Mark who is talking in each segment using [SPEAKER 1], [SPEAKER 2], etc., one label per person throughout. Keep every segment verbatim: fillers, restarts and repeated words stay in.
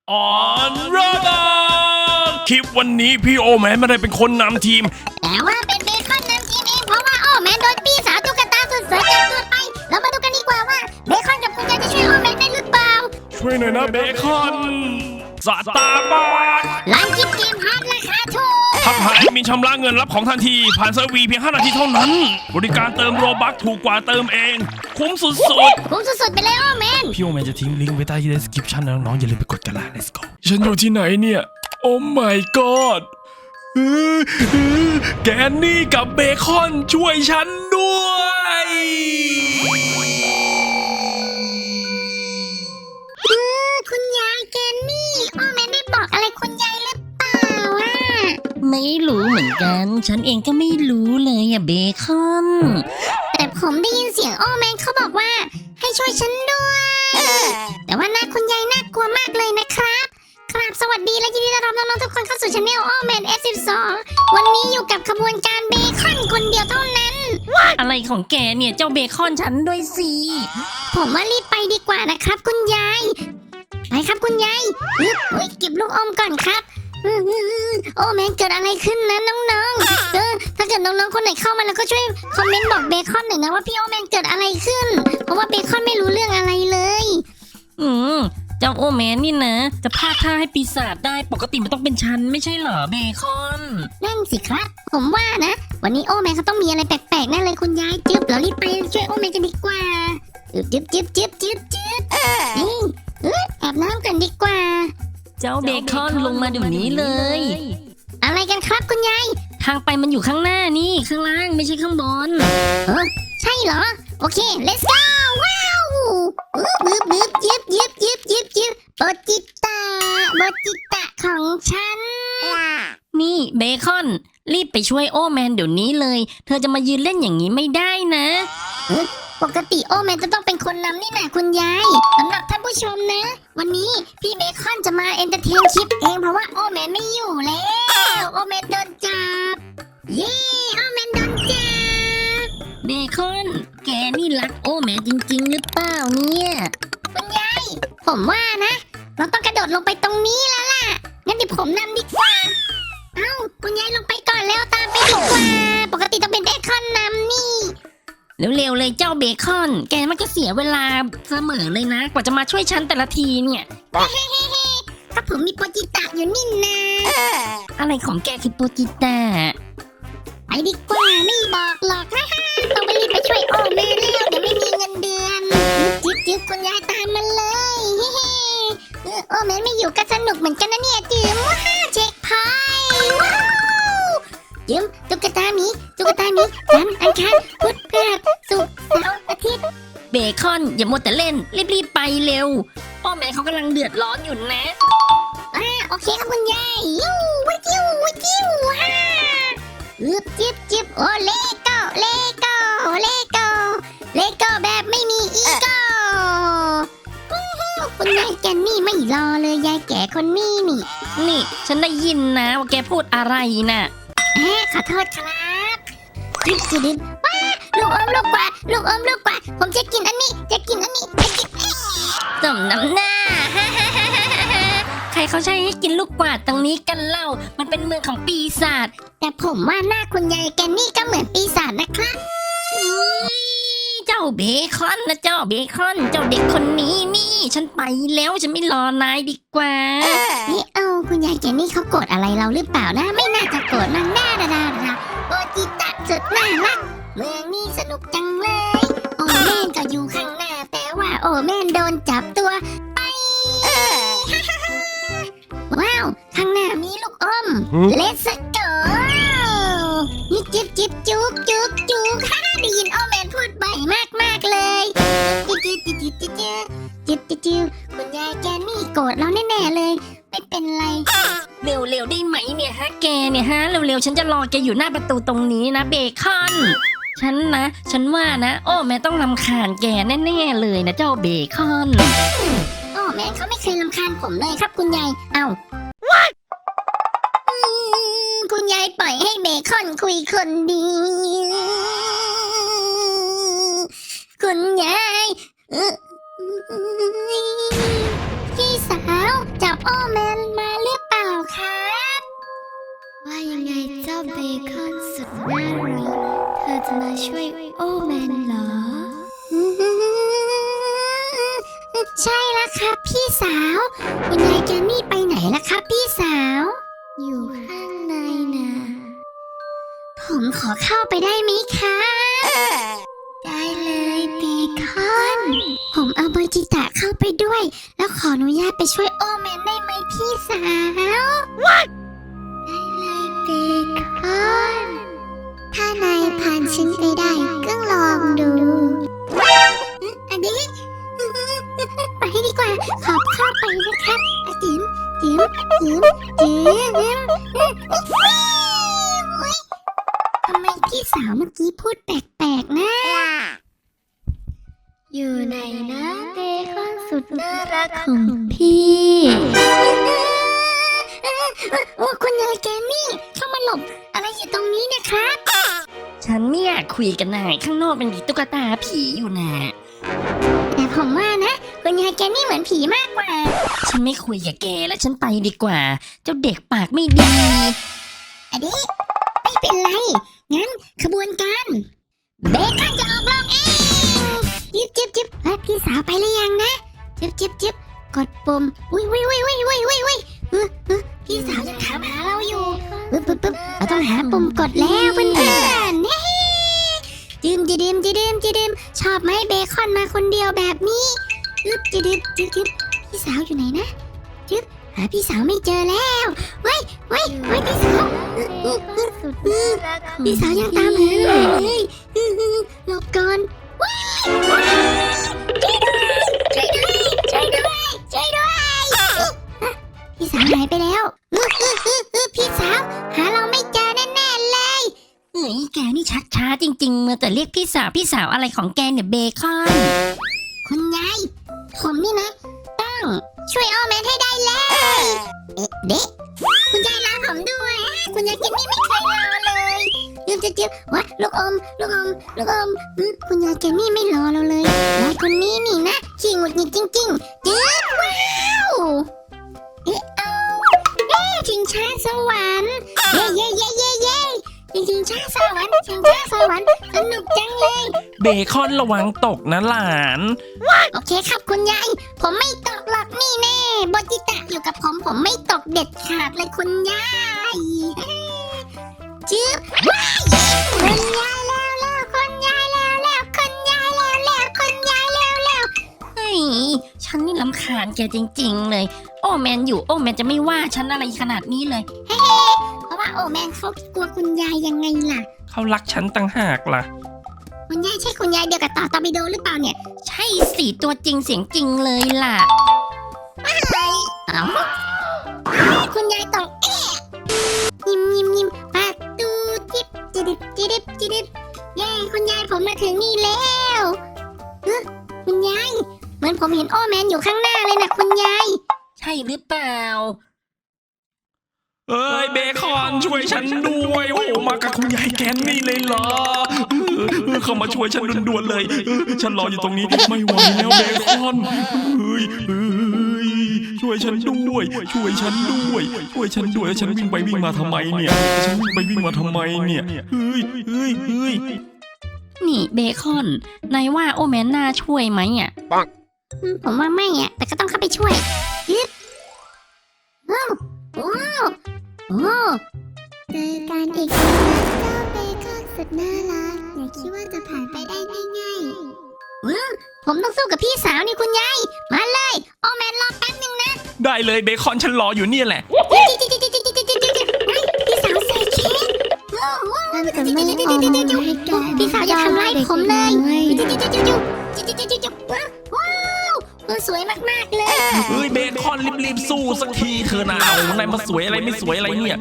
[SPEAKER 1] ออนรบอคลิปวันนี้พี่โอแมนไม่ได้เป็นคนนำทีม
[SPEAKER 2] แต่ว่าเป็นเบคอนนำทีมเองเพราะว่าโอแมนโดนปีศาจตุ๊กตาสุดสวยจับตัวไปเรามาดูกันดีกว่าว่าเบคอนกับคุณยายจะช่วยโอแมนได้หรือเปล่า
[SPEAKER 1] ช่วยหน่อยนะเบคอนสตาร์บัค
[SPEAKER 2] ร้านกินเกมฮาร์ดราคาถูก
[SPEAKER 1] ทักหายมีชำระเงินรับของทันทีผ่านเซอร์วีเพียงห้านาทีเท่านั้นบริการเติมโรบัคถูกกว่าเติมเองคุ้มสุดๆ
[SPEAKER 2] คุ้มสุดๆไปเลยโอแมน
[SPEAKER 1] พี่โอแมนจะทิ้งลิงก์ไว้ใต้ที่ description นะน้องๆอย่าลืมไปกดกันละ let's go ฉันอยู่ที่ไหนเนี่ยโอ้ my god แกนนี่กับเบคอนช่วยฉันด้วย
[SPEAKER 2] คุณยายแกนนี่โอแมนได้บอกอะไรคุณยายหรือเปล่าอ่ะ
[SPEAKER 3] ไม่รู้เหมือนกันฉันเองก็ไม่รู้เลยอะเบคอน
[SPEAKER 2] แต่ผมได้ยินเสียงโอแมนเขาบอกว่าให้ช่วยฉันด้วยแต่ว่าหน้าคุณยายน่ากลัวมากเลยนะครับครับสวัสดีและยินดีต้อนรับน้องๆทุกคนเข้าสู่ช anel โอแมน เอฟ สิบสอง วันนี้อยู่กับขบวนการเบคอนคนเดียวเท่านั้น
[SPEAKER 3] อะไรของแกเนี่ยเจ้าเบคอนฉันด้วยสิ
[SPEAKER 2] ผมว่ารีบไปดีกว่านะครับคุณยายไปครับคุณยายเฮ้ยเก็บลูกอมก่อนครับโอ้แมนเกิดอะไรขึ้นนะน้องๆเออถ้าเกิดน้องๆคนไหนเข้ามาแล้วก็ช่วยคอมเมนต์บอกเบคอนหน่อยนะว่าพี่โอแมนเกิดอะไรขึ้นเพราะว่าเบคอนไม่รู้เรื่องอะไรเลย
[SPEAKER 3] อืมเจ้าโอแมนนี่นะจะพลาดท่าให้ปีศาจได้ปกติมันต้องเป็นฉันไม่ใช่เหรอเบคอน
[SPEAKER 2] นั่นสิครับผมว่านะวันนี้โอแมนเขาต้องมีอะไรแปลกๆแน่เลยคุณยายจึ๊บเรารีบไปช่วยโอแมนกันดีกว่าจึ๊บจึ๊บจึ๊บจึ๊บจึ๊บนี่เอออาบน้ำกันดีกว่า
[SPEAKER 3] เจ้าเบคอนลงมาเดี๋ยวนี้เลย
[SPEAKER 2] อะไรกันครับคุณยาย
[SPEAKER 3] ทางไปมันอยู่ข้างหน้านี่ข้างล่างไม่ใช่ข้างบน
[SPEAKER 2] เออใช่เหรอโอเค let's go ว้าวบึ๊บบึ๊บยิบยิบยิบยิบยิบโบจิตาโบจิตาของฉัน
[SPEAKER 3] นี่เบคอนรีบไปช่วยโอแมนเดี๋ยวนี้เลยเธอจะมายืนเล่นอย่างนี้ไม่ได้นะ
[SPEAKER 2] ปกติโอแมนจะต้องเป็นคนนำนี่นะคุณยายสำหรับท่านผู้ชมนะวันนี้พี่เบคอนจะมาเอนเตอร์เทนคลิปเองเพราะว่าโอแมนไม่อยู่แล้วโอแมนโดนจับเย้โอแมนโดนจับ
[SPEAKER 3] เบคอนแกนี่รักโอแมนจริงๆหรือเปล่าเนี่ย
[SPEAKER 2] คุณยายผมว่านะเราต้องกระโดดลงไปตรงนี้แล้วล่ะงั้นเดี๋ยวผมนำดีกว่าเอ้าคุณยายลงไปก่อนแล้วตามไปดีกว่าปกติต้องเป็นเบคอนนำนี่
[SPEAKER 3] เร็วๆเลยเจ้าเบคอนแกมันก็เสียเวลาเสมอเลยนะกว่าจะมาช่วยฉันแต่ละทีเนี่ย
[SPEAKER 2] ก็ผมมีโปจิตะอยู่นี่นะ
[SPEAKER 3] อะไรของแกคือโปจิตะ
[SPEAKER 2] ไปดีกว่าไม่บอกหรอกฮ่าฮ่าต้องไปรีบไปช่วยโอแมนแล้วเดี๋ยวไม่มีเงินเดือนจิ๊บจิ๊บคุณยายตามมาเลยเฮ้โอแมนไม่อยู่ก็สนุกเหมือนกันนะเนี่ยจิ๋มว้าเช็คพอยต์ว้าวจิ๋มตุ๊กตาหมีตุ๊กตาหมีจันทร์อังคารพุธพฤหัสศุกร์เสาร์อาทิตย์
[SPEAKER 3] เบคอนอย่ามัวแต่เล่นรีบๆไปเร็วโอแมนเขากำลังเดือดร้อนอยู่นะ
[SPEAKER 2] อ่าโอเคครับคุณยายยูวิจิววิจิวฮ่าอึบจิบจิบโอเลโก้เลโก้เลโก้เลโก้แบบไม่มีอีโก้คุณยายแกนี่ไม่รอเลยยายแก่คนนี้นี่
[SPEAKER 3] นี่ฉันได้ยินนะว่าแกพูดอะไรน่ะ
[SPEAKER 2] แหมขอโทษครับจิบจิบว้าลูกอมลูกกว่าลูกอมลูกกว่าผมจะกินอันนี้จะกินอันนี้จะกิน
[SPEAKER 3] จมน้ำหน้าใครเขาใช้ให้กินลูกกวาดตรงนี้กันเล่ามันเป็นเมืองของปีศาจ
[SPEAKER 2] แต่ผมว่าหน้าคุณยายแกนี่ก็เหมือนปีศาจนะครับ
[SPEAKER 3] เจ้าเบคอนนะเจ้าเบคอนเจ้าเด็กคนนี้นี่ฉันไปแล้วฉันไม่รอนายดีกว่า
[SPEAKER 2] นี่เอาคุณยายแกนี่เขาโกรธอะไรเราหรือเปล่านะไม่น่าจะโกรธมันน่าดาดาดาโอจิตะสุดน่ารักเมืองนี้สนุกจังเลยโอแม่นก็อยู่ข้างหน้าแต่ว่าโอแม่นโดนจับตัวไปว้าวข้างหน้ามีลูกอม Let's go นี่จิ๊บจิ๊บจุกจุกจุกฮ่าได้ยินโอแมนพูดบ่อยมากมากเลยจิ๊บจิ๊บจิ๊บจิ๊บจิ๊บจิ๊บจิ๊บคุณยายแกนี่โกรธเราแน่ๆเลยไม่เป็นไร
[SPEAKER 3] เร็วๆได้ไหมเนี่ยฮะแกเนี่ยฮะเร็วๆฉันจะรอแกอยู่หน้าประตูตรงนี้นะเบคอนฉันนะฉันว่านะโอ้แม่ต้องรำคาญแกแน่ๆเลยนะเจ้าเบคอน
[SPEAKER 2] โอ้แม่เขาไม่เคยรำคาญผมเลยครับคุณยายเอ้าคุณยายปล่อยให้เบคอนคุยคนเดียวคุณยายพี่สาวจับโอโอแมนมาหรือเปล่าครับว่ายังไงเจ้าเบคอนสุดน่ารักเธอจะมาช่วยโอแมนเหรอใช่แล้วครับพี่สาวคุณยายแกนี่ไปไหนล่ะครับพี่สาวอยู่ข้างในนะผมขอเข้าไปได้ไหมคะได้เลยเบคอนผมเอาเบอร์จิตะเข้าไปด้วยแล้วขออนุญาตไปช่วยโอแมนได้ไหมพี่สาว What? ได้เลยเบคอนถ้านายผ่านฉันไปได้ก็ลองดูอันนี้ไปดีกว่าขอบเข้าไปนะครับจิ๋มจิ๋มจิ๋มจิ๋มทำไมพี่สาวเมื่อกี้พูดแปลกๆนะอยู่ไหนนะเบคอนสุดน่ารักของพี่โอ้คุณยายแกนี่เข้ามาหลบอะไรอยู่ตรงนี้นะครับ
[SPEAKER 3] ฉันไม่อยากคุยกันนายข้างนอกเป็นตุ๊กตาผีอยู่นะ
[SPEAKER 2] แต่ผมว่านะคุณยายแกนี่เหมือนผีมากกว่า
[SPEAKER 3] ฉันไม่คุยกับแกแล้วฉันไปดีกว่า เจ้าเด็กปากไม่ดี
[SPEAKER 2] อันนี้ไม่เป็นไร งั้นขบวนการเบคอนจะออกลองเองจิบจิบจิบแล้วพี่สาวไปหรือยังนะจิบจิบจิบกดปุ่มอุ้ยอุ้ยอุ้ยอุ้ยอุ้ยอุ้ยอุ้ยเออเออพี่สาวยังถามหาเราอยู่ปึ๊บปึ๊บปึ๊บเราต้องหาปุ่มกดแล้วเพื่อนๆเฮ้จิมจิดิมจิดิมจิดิมชอบไหมเบคอนมาคนเดียวแบบนี้จิบจิดิมจิบจิบพี่สาวอยู่ไหนนะจิบหาพี่สาวไม่เจอแล้วเว้ยเว้ยเว้ยพี่สาวพี่สาวยังตามหาเลยหลบก่อนว้าวช่วยด้วยช่วยด้วยช่วยด้วยพี่สาวหายไปแล้วพี่สาวหาเราไม่เจอแน่ๆเลย
[SPEAKER 3] เฮ้ยแกนี่ชักช้าจริงๆเมื่อแต่เรียกพี่สาวพี่สาวอะไรของแกเนี่ยเบคอน
[SPEAKER 2] คุณยายผมนี่นะต้องช่วยโอแมนให้ได้เลยเอ๊ะเด็กคุณยายรอผมด้วยคุณยายกินนี่ไม่เคยรอเลยเดี๋ยวเดี๋ยววะลูกอมลูกอมลูกอมคุณยายแกนี่ไม่รอเราเลยยายคนนี้นี่นะขี้หงุดหงิดจริงๆจืดว้าวเอ๊ะเอาเอ๊ะชิงช้าสวรรค์เย้เย้เย้เย้เย้ชิงช้าสวรรค์ชิงช้าสวรรค์สนุกจังเลย
[SPEAKER 1] เบคอนระวังตกนะหลาน
[SPEAKER 2] โอเคครับคุณยายผมไม่ตกหรอกนี่แน่บอจิตะอยู่กับผมผมไม่ตกเด็ดขาดเลยคุณยายจื๊บว้ายคุณยายแล้วแล้วคุณยายแล้วแล้วคุณยายแล้วแล้วคุณยายแล้วแล้ว
[SPEAKER 3] เฮ้ยฉันนี่รำคาญแกจริงๆเลยโอแมนอยู่โอแมนจะไม่ว่าฉันอะไรขนาดนี้เลย
[SPEAKER 2] เพราะว่าโอแมนเขากลัวคุณยายยังไงล่ะ
[SPEAKER 1] เขารักฉันตั้งหากล่ะ
[SPEAKER 2] คุณยายใช่คุณยายเดียวกับต่อตอร์ปิโดหรือเปล่าเนี่ย
[SPEAKER 3] ใช่สิตัวจริงเสียงจริงเลยล่ะ
[SPEAKER 2] เอ้าคุณยายต้องแอะยิ้มยิ้มยิ้มประตูจิบจิดิบจิดิบจิดิบเย้คุณยายผมมาถึงนี่แล้วเอ้อคุณยายเหมือนผมเห็นโอแมนอยู่ข้างหน้าเลยนะคุณยาย
[SPEAKER 3] ใช่หรือเปล่า
[SPEAKER 1] เอ้ยเบคอนช่วยฉันด้วยโอ้มากับคุณยายแกนนี่เลยเหรอเออเข้ามาช่วยฉันด่วนๆเลยเออฉันรออยู่ตรงนี้ไม่ไหวแล้วเบคอนเฮ้ยเฮ้ยช่วยฉันด้วยช่วยฉันด้วยช่วยฉันด้วยฉันวิ่งไปวิ่งมาทำไมเนี่ยฉันวิ่งไปวิ่งมาทำไมเนี่ยเฮ้ยเฮ้ยเฮ้ย
[SPEAKER 3] นี่เบคอนนายว่าโอแมนน่าช่วยไหมอ่ะ
[SPEAKER 2] อืมผมว่าไม่อะแต่ก็ต้องเข้าไปช่วยยึดว้าวว้าวโอ้เจอกันอีกแล้วเจ้าเบคอนสุดน่ารักอย่าคิดว่าจะผ่านไปได้ง่ายๆว้าวผมต้องสู้กับพี่สาวนี่คุณยายมาเลยโอแมนรอแป๊บนึงนะ
[SPEAKER 1] ได้เลยเบคอนฉันรออยู่เนี่ยแหละ
[SPEAKER 2] พี่สาวใส่เค้กนั่นจะไม่ออมให้แกพี่สาวอย่าทำร้ายผมเลยว้าวสวยมากๆเลย
[SPEAKER 1] เฮ้ยเบคอนรีบๆสู้สักทีเธอนะเอานายมาสวยอะไรไม่สวยอะไรเนี่ย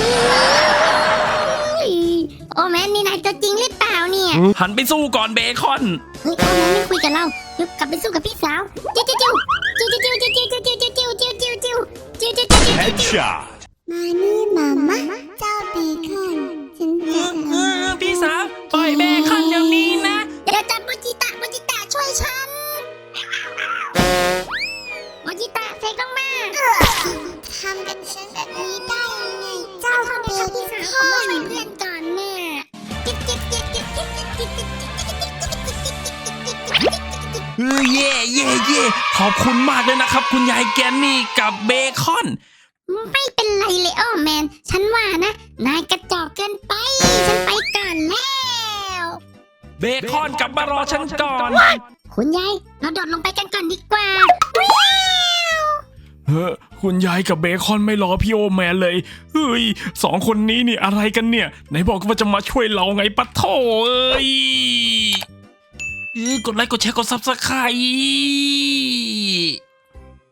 [SPEAKER 2] โอแมนนี่นายตัวจริงหรือเปล่าเนี่ย
[SPEAKER 1] หันไปสู้ก่อนเบคอน
[SPEAKER 2] เฮ้ยโอแมนไม่คุยกับเรายุบกลับไปสู้กับพี่สาวจิ้วจิ้วจิ้วจิ้วจิ้วจิ้วจิ้วจิ้วจิ้วจิ้วจิ้วจิ้วจิ้วจิ้วจิ้วจิ้ว
[SPEAKER 1] Headshot
[SPEAKER 2] มานี่มาม่าเจ้าเบคอนฉันจะทำ
[SPEAKER 1] พี่สาวปล่อยเบคอนเดี๋ยวนี้นะ
[SPEAKER 2] เดี๋ยวจับโมจิตะโมจิตะช่วยฉันโมจิตะเซกลงมา
[SPEAKER 1] เออเย่เย่เย่ขอบคุณมากเลยนะครับ คุณยายแกนนี่กับเบคอน
[SPEAKER 2] ไม่เป็นไรเลยโอ้แมน ฉันว่านะ นายกระจอกเกินไป ฉันไปก่อนแล้ว
[SPEAKER 1] เบคอนกลับมารอฉันก่อน
[SPEAKER 2] คุณยายเราโดดลงไปกันก่อนดีกว่า
[SPEAKER 1] เฮ้อคุณยายกับเบคอนไม่รอพี่โอแมนเลยเฮ้ยสองคนนี้นี่อะไรกันเนี่ยไหนบอกว่าจะมาช่วยเราไงปะโถเอ้ยเออกดไลค์กดแชร์กดซับสไครต์